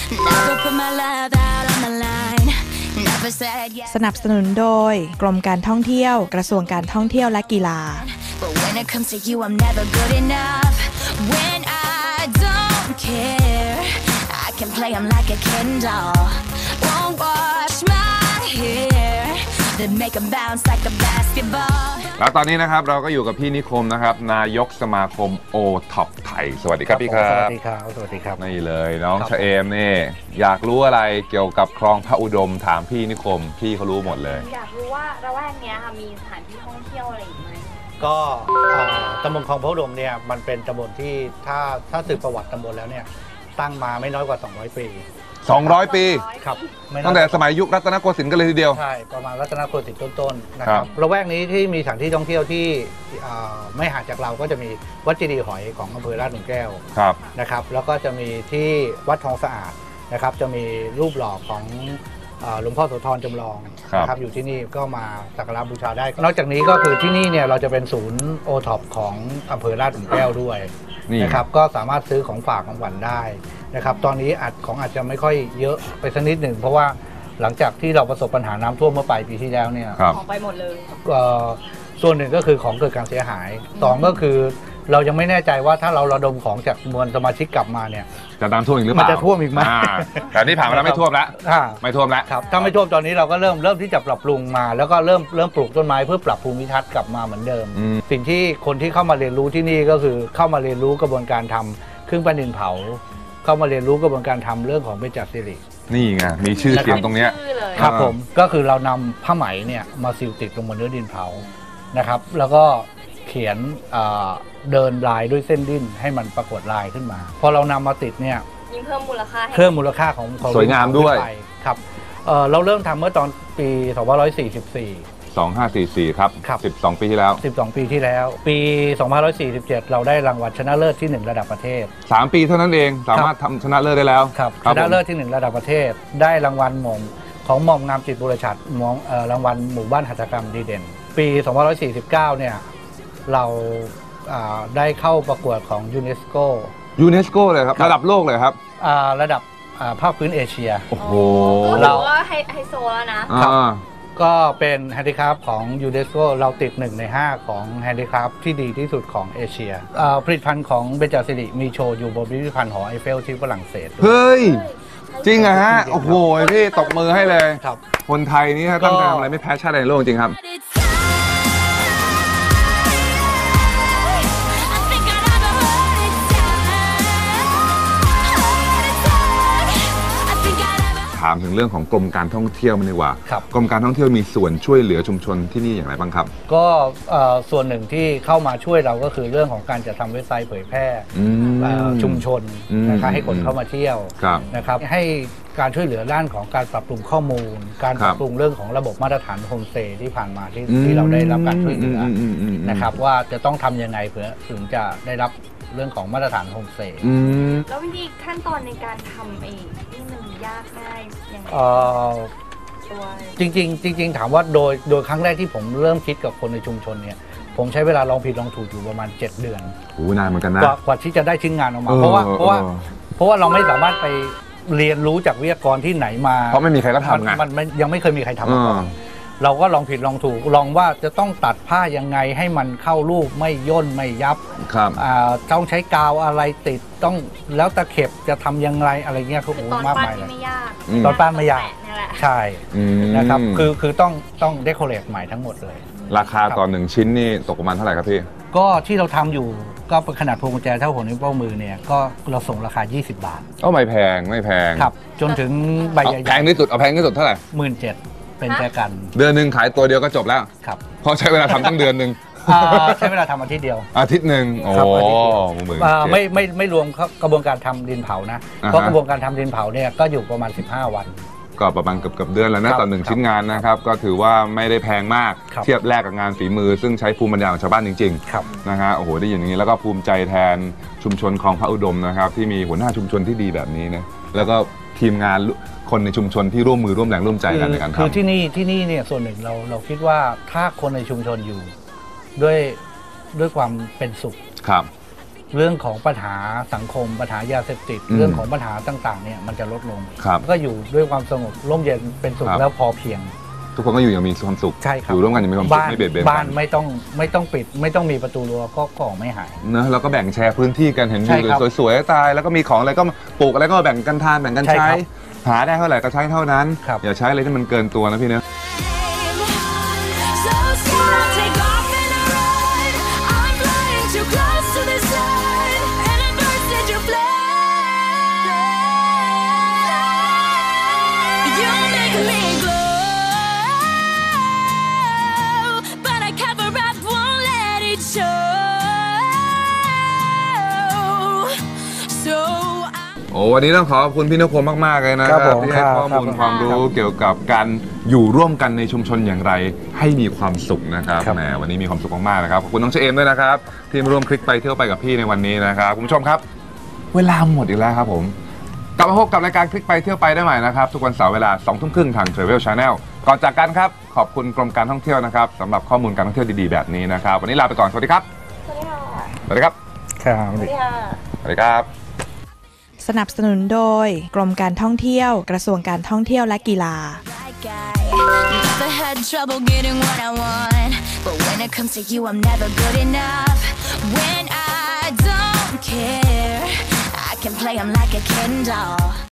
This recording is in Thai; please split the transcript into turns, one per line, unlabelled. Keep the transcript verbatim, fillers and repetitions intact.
สนับสนุนโดยกรมการท่องเที่ยวกระทรวงการท่องเที่ยวและกีฬา
แล้วตอนนี้นะครับเราก็อยู่กับพี่นิคมนะครับนายกสมาคมโอท็อปไทยสวัสดีครับพี่ครับ
สวัสดีครับสวัสดีครับ
นี่เลยน้องชะเอมนี่อยากรู้อะไรเกี่ยวกับคลองพระอุดมถามพี่นิคมพี่เขารู้หมดเลย
อยากรู้ว่าระแวกเนี้ยค่ะมีสถานที่ท่องเที่ยวอะไรอีกไหม
ก็ตำบลคลองพระอุดมเนี่ยมันเป็นตำบลที่ถ้าถ้าสืบประวัติตำบลแล้วเนี่ยตั้งมาไม่น้อยกว่าสองร้อยปี
สองร้อยปี
ครับ
ตั้งแต่สมัยยุครัตนโกสินทร์กันเลยทีเดียว
ใช่ประมาณรัตนโกสินทร์ต้นๆนะครับระแวกนี้ที่มีสถานที่ท่องเที่ยวที่ไม่ห่างจากเราก็จะมีวัดเจดีย์หอยของอำเภอลาดหลุมแก้วนะครับแล้วก็จะมีที่วัดทองสะอาดนะครับจะมีรูปหล่อของหลวงพ่อโสธรจำลองนะครับอยู่ที่นี่ก็มาสักการะบูชาได้นอกจากนี้ก็คือที่นี่เนี่ยเราจะเป็นศูนย์โอท็อปของอำเภอลาดหลุมแก้วด้วยนะครับก็สามารถซื้อของฝากของขวัญได้นะครับตอนนี้อาจของอาจจะไม่ค่อยเยอะไปสักนิดหนึ่งเพราะว่าหลังจากที่เราประสบปัญหาน้ำท่วมเมื่อปลายปีที่แล้วเนี่ย
ของไปหมดเลย
ส่วนหนึ่งก็คือของเกิดการเสียหายสองก็คือเรายังไม่แน่ใจว่าถ้าเราระดมของจากมวลสมาชิกกลับมาเนี่ย
จะน้ำท่วมอีกหรือเปล่า
มันจะท่วมอีกไหม
แต่นี่ผ่านมาแล้วไม่ท่วมแล้วไม่ท่วมแล้ว
ครับถ้าไม่ท่วมตอนนี้เราก็เริ่มเริ่มที่จะปรับปรุงมาแล้วก็เริ่มเริ่มปลูกต้นไม้เพื่อปรับภูมิทัศน์กลับมาเหมือนเดิมสิ่งที่คนที่เข้ามาเรียนรู้ที่นี่ก็คือเข้ามาเรียนรู้กระบวนการทำเครื่องปั้นดินเผาเข้ามาเรียนรู้กระบวนการทำเรื่องของเบญจศิริ
นี่ไงมีชื่อเสียงตรงเนี้ย
ครับผมก็คือเรานำผ้าไหมเนี่ยมาซิลติดลงบนเนื้อดินเผานะครับแล้วก็เขียนเดินลายด้วยเส้นดิ้นให้มันปรากฏลายขึ้นมาพอเรานำมาติดเนี่ย
ยิ่งเพิ่มมูลค่า
เพิ่มมูลค่าของ
สวยงามด้วย
ครับเราเริ่มทำเมื่อตอนปีสองพันห้าร้อยสี่สิบสี่
สองพันห้าร้อยสี่สิบสี่ครับสิบสองปีที่แล้ว
สิบสองปีที่แล้วปีสองพันห้าร้อยสี่สิบเจ็ดเราได้รางวัลชนะเลิศที่หนึ่งระดับประเทศ
สามปีเท่านั้นเองสามารถทำชนะเลิศได้แล้ว
ครับชนะเลิศที่หนึ่งระดับประเทศได้รางวัลหม่อมของหม่อมงามจิตบุรชัดมองรางวัลหมู่บ้านหัตถกรรมดีเด่นปีสองพันห้าร้อยสี่สิบเก้าเนี่ยเราได้เข้าประกวดของยูเนสโก
ยูเนสโกเลยครับระดับโลกเลยครับ
ระดับภาคพื้นเอเชีย
โอ้โห
เราว่าไฮโซแล้วนะ
ก็เป็นแฮนดิคราฟของยูเนสโกเราติดหนึ่งในห้าของแฮนดิคราฟที่ดีที่สุดของเอเชียผลิตภัณฑ์ของเบญจศิริมีโชว์อยู่บนพิพิธภัณฑ์หอไอเฟลที่ฝรั่งเศส
เฮ้ยจริงอะฮะโอ้โหพี่ตบมือให้เลยคนไทยนี่ตั้งใจทำอะไรไม่แพ้ชาติใดในโลกจริงครับถามถึงเรื่องของกรมการท่องเที่ยวมันดีกว่ากรมการท่องเที่ยวมีส่วนช่วยเหลือชุมชนที่นี่อย่างไรบ้างครับ
ก็ส่วนหนึ่งที่เข้ามาช่วยเราก็คือเรื่องของการจัดทำเว็บไซต์เผยแพร่ชุมชนนะครับให้คนเข้ามาเที่ยวนะครับให้การช่วยเหลือด้านของการปรับปรุงข้อมูลการปรับปรุงเรื่องของระบบมาตรฐานโฮมสเตย์ที่ผ่านมาที่ที่เราได้รับการช่วยเหลือนะครับว่าจะต้องทำยังไงเพื่อถึงจะได้รับเรื่องของมาตรฐานโฮมสเตย์
แล้ววิธีขั้นตอนในการทำเองนี่มันยากง่ายยังไง
จริงๆจริงๆถามว่าโดยโดยครั้งแรกที่ผมเริ่มคิดกับคนในชุมชนเนี่ยผมใช้เวลาลองผิดลองถูกอยู่ประมาณเจ็ดเดือน
โอ้นานเหมือนกันนะ
กว่าที่จะได้ชิ้นงานออกมาเพราะว่าเพราะว่าเพราะว่าเราไม่สามารถไปเรียนรู้จากวิทยากรที่ไหนมา
เพราะไม่มีใครรับทำไง
มันยังไม่เคยมีใครทำมาก่อนเราก็ลองผิดลองถูกลองว่าจะต้องตัดผ้ายังไงให้มันเข้ารูปไม่ย่นไม่ยับต้องใช้กาวอะไรติดต้องแล้วตะเข็บจะทำยังไงอะไรเงี้ยเขาโอ้มากมายเลยตอนปั้นไม่ยากใช่นะครับคือคือต้องต้องเดคอเรทใหม่ทั้งหมดเลย
ราคาต่อหนึ่งชิ้นนี่ตกประมาณเท่าไหร่ครับพี่
ก็ที่เราทำอยู่ก็เป็นขนาดพวงกุญแจเท่าหัวนิ้วโป้งมือเนี่ยก็เราส่งราคายี่สิบบาท
ก็ไม่แพงไม่แพง
ครับจนถึงใบใหญ่
แพงที่สุดเอาแพงที่สุดเท่าไหร่
หมื่นเจ็ดเป็นแค่กัน
เดือนหนึ่งขายตัวเดียวก็จบแล้ว
ครับ
เพราะใช้เวลาทำตั้งเดือนหนึ่ง
ใช้เวลาทำอาทิตย์เดียว
อาทิตย์หนึ่งโอ้
ไม่ไม่ไม่รวมกระบวนการทำดินเผานะเพราะกระบวนการทำดินเผาเนี่ยก็อยู่ประมาณสิบห้าวัน
ก็ประมาณเกือบเกือบเดือนแล้วนะต่อหนึ่งชิ้นงานนะครับก็ถือว่าไม่ได้แพงมากเทียบแลกกับงานฝีมือซึ่งใช้ภูมิปัญญาของชาวบ้านจริงๆนะฮะโอ้โหได้ยินอย่างนี้แล้วก็ภูมิใจแทนชุมชนคลองพระอุดมนะครับที่มีหัวหน้าชุมชนที่ดีแบบนี้นะแล้วก็ทีมงานคนในชุมชนที่ร่วมมือร่วมแรงร่วมใจกันในการทำ
คือที่นี่ที่นี่เนี่ยส่วนหนึ่งเราเราคิดว่าถ้าคนในชุมชนอยู่ด้วยด้วยความเป็นสุข
ครับ
เรื่องของปัญหาสังคมปัญหายาเสพติด
อืม
เรื่องของปัญหาต่างๆเนี่ยมันจะลดลง
ครับ
ก็อยู่ด้วยความสงบร่มเย็นเป็นสุข
ครับ
แล้วพอเพียง
ทุกคนก็อยู่อย่างมีความสุข
ใช่ครับ
อยู่ร่วมกันอย่างมีความสุข
บ้าน
ไม่เบียดเบียน
บ้า
กัน น
ไม่ต้องไม่ต้องปิด ไม่ต้องมีประตูรั้วก็ก่อไม่หาย
เนอะแล้วก็แบ่งแชร์พื้นที่กันเห็น
ใช่
วิว
ครับ
สวยๆตายแล้วก็มีของอะไรก็ปลูกอะไรก็แบ่งกันทานแบ่งกัน
ใช่
ใช้
ครับ
หาได้เท่าไหร่ก็ใช้เท่านั้น
ครับ
อย่าใช้อะไรที่มันเกินตัวนะพี่เนอะ
So soon I'll take off and I run. I'm flying too close to the sun, and I burst into flame. You make me glow, but I cover up, won't let it show. So I
โอ้วันนี้ต้องขอขอบคุณพี่นพพลมากๆเลยนะค
ครั
รับบ
ผม
ที่ให้
ครับ
ข้อมูล
ครับ
ความรู้
ครับ
เกี่ยวกับการอยู่ร่วมกันในชุมชนอย่างไร ให้มีความสุขนะครับ
ครับ
แหมวันนี้มีความสุขมากๆนะครับขอบคุณน้องเชเอมด้วยนะครับที่มาร่วมคลิกไปเที่ยวไปกับพี่ในวันนี้นะครับคุณผู้ชมครับ เวลาหมดอีกแล้วครับผมกลับมาพบกับรายการคลิกไปเที่ยวไปได้ใหม่นะครับทุกวันเสาร์เวลาสองทุ่มครึ่งทาง Travel Channel ก่อนจากกันครับขอบคุณกรมการท่องเที่ยวนะครับสำหรับข้อมูลการท่องเที่ยวดีๆแบบนี้นะครับวันนี้ลาไปก่อนสวัสดีครับ
สวัสดีค่ะ
สวัสดีครับ
ครับ
สวัสดีค่ะ
สวัสดีครับ
สนับสนุนโดยกรมการท่องเที่ยวกระทรวงการท่องเที่ยวและกีฬา
like I never had trouble getting what I want, but when it comes to you, I'm never good enough. When I don't care, I can play 'em like a Ken doll.